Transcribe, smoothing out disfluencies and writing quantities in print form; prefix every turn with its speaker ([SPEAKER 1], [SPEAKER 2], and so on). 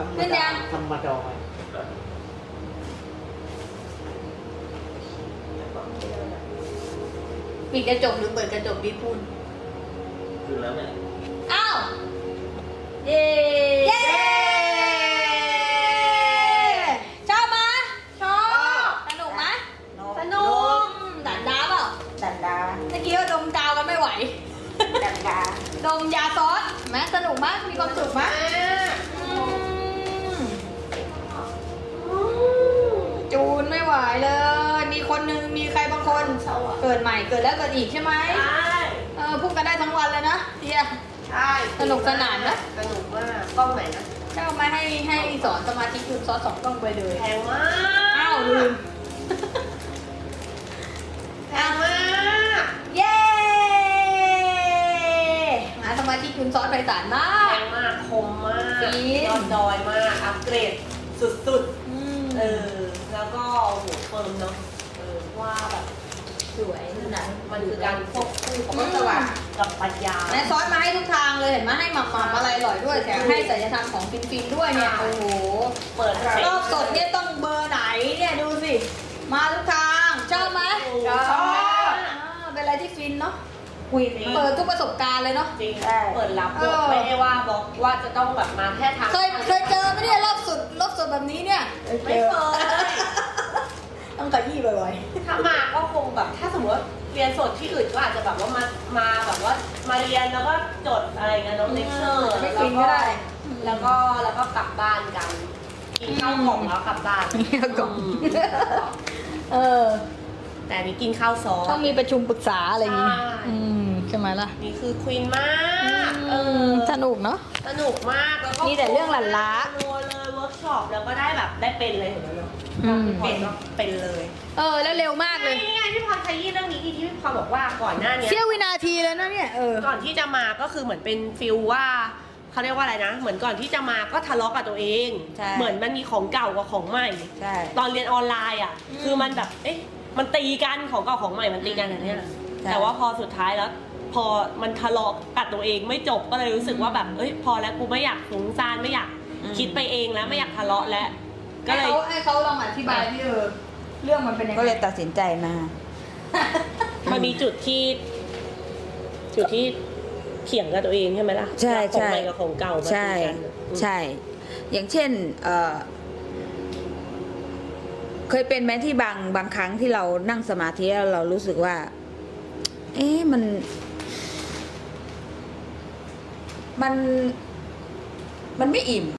[SPEAKER 1] ขึ้นยัง
[SPEAKER 2] ธรรมดา
[SPEAKER 1] ปิดกระจกหรือเปิดกระจกดีพูน
[SPEAKER 3] คือแล้วเนี่ย
[SPEAKER 1] อ้าว
[SPEAKER 4] เย้
[SPEAKER 1] เย้ชอบไหมชอบสนุกไหมสนุกดันดาเปล่า
[SPEAKER 4] ดันดา
[SPEAKER 1] เมื่อกี้ว่าดมกาวกันไม่ไหว
[SPEAKER 4] ดันดา
[SPEAKER 1] ดมยาซอสไหมสนุกไหมมีความสุขไหมจูนไม่ไหวเลย มีคนนึงมีใครบางคนเกิดใหม่เกิดแล้วเกิดอีกใช่ไหม
[SPEAKER 4] ใช่
[SPEAKER 1] พูดกันได้ทั้งวันเลยนะเดีย
[SPEAKER 4] ใช่
[SPEAKER 1] สนุกสนานนะ
[SPEAKER 4] สนุกมากกล้องไหนนะ
[SPEAKER 1] เจ้ามาให้สอนสมาธิจูนซอส2 กล้องไปเลย
[SPEAKER 4] แพงมาก
[SPEAKER 1] อ้าวลืม
[SPEAKER 4] แพงมาก
[SPEAKER 1] เย้หาสมาธิจูนซอสไปสารมา
[SPEAKER 4] แพ
[SPEAKER 1] ก
[SPEAKER 4] งมากคมมาก
[SPEAKER 1] จริง
[SPEAKER 4] ยอดดอยมากอัปเกรดสุด
[SPEAKER 1] อืม
[SPEAKER 4] ๆแล้วก็โอ้โหเฟิร์มเนาะว่าแบบ
[SPEAKER 1] สวยนะ
[SPEAKER 4] มันคือการควบคู่ของสวัสดิ์กับปัญญา
[SPEAKER 1] และซอสมาให้ทุกทางเลยเห็นไหมให้หมักอะไรอร่อยด้วยแถมให้สัญญธรรมของฟินๆด้วยเนี่ยโอ้โห
[SPEAKER 4] เปิด
[SPEAKER 1] รอบสดเนี่ยต้องเบอร์ไหนเนี่ยดูสิมาทุกทางชอบไหม
[SPEAKER 4] ชอบ
[SPEAKER 1] เป็นอะไรที่ฟินเนาะ
[SPEAKER 4] คุย
[SPEAKER 1] เปิดทุกประสบการณ์เลยเนาะ
[SPEAKER 4] จริงเปิดรับด้วยไม่ได้ว่าบอกว่าจะต้องแบบมาแค่ทาง
[SPEAKER 1] เคยเจอไหมเนี่ยรอบสดแบบนี้เนี่ย
[SPEAKER 4] ไม่เคย
[SPEAKER 1] ต้องขยี้บ่อย
[SPEAKER 4] ถ้ามาก็คงแบบถ้าสมมติว่าเรียนสดที่อื่นก็อาจจะแบบว่ามาแบบว่ามาเรียนแล้วก็จดอะไรเงี้ยน้องเลคเชอร์
[SPEAKER 1] ไม่ฟินก็ได้
[SPEAKER 4] แล้วก็กลับบ้านกันกินข้าวกล่องแล้วกลับบ้าน
[SPEAKER 1] ข้าวกล่อง เออ
[SPEAKER 4] แต่อันนี้กินข้าวซอส
[SPEAKER 1] ต้องมีประชุมปรึกษาอะไรอย่างงี้
[SPEAKER 4] ใช่
[SPEAKER 1] ใช่ไหมล่ะ
[SPEAKER 4] นี่คือควีนมาก
[SPEAKER 1] สนุกเนาะ
[SPEAKER 4] สนุกมากแล้วก็
[SPEAKER 1] มีแต่เรื่องหลั่นล้า
[SPEAKER 4] รัวเลยเวิร์กช็อปแล้วก็ได้แบบได้เป็นเลยเห็นไหมเนาะ เป็นเลย
[SPEAKER 1] แล้วเร็วมากเลย
[SPEAKER 4] นี่ไงพี่พรขยี้เรื่องนี้ที่พี่พรบอกว่าก่อนหน้านี้
[SPEAKER 1] เสี้ยววินาทีเลยนะเนี่ย
[SPEAKER 4] ก่อนที่จะมาก็คือเหมือนเป็นฟิลว่าเขาเรียกว่าอะไรนะ เหมือนก่อนที่จะมาก็ทะเลาะกับตัวเอง
[SPEAKER 1] ใช่
[SPEAKER 4] เหมือนมันมีของเก่ากับของใหม่
[SPEAKER 1] ใช่
[SPEAKER 4] ตอนเรียนออนไลน์อ่ะ คือมันแบบเอ๊ะมันตีกันของเก่าของใหม่มันตีกันอย่างเนี้ยแต่ว่าพอสุดท้ายแล้ว พอมันทะเลาะกับตัวเองไม่จบก็เลยรู้สึกว่าแบบเอ้ยพอแล้วกูไม่อยากฟุ้งซ่านไม่อยากคิดไปเองแล้วไม่อยากทะเลาะแล้วก็เลย
[SPEAKER 1] ให้เขาลองอธิบายที่เรื่องมันเป็นยังไง
[SPEAKER 5] ก็เลยตัดสินใจมา
[SPEAKER 4] มันมีจุดที่เถียงกับตัวเองใช่ไหมล่ะ
[SPEAKER 5] ใช่
[SPEAKER 4] ของ
[SPEAKER 5] ใช่
[SPEAKER 4] ใหม่กับของเก่ามา
[SPEAKER 5] ใช่
[SPEAKER 4] ตีกัน
[SPEAKER 5] ใช่ อย่างเช่นเคยเป็นไหมที่บางครั้งที่เรานั่งสมาธิแล้วเรารู้สึกว่า เอ๊ะมันไม่อิ่ม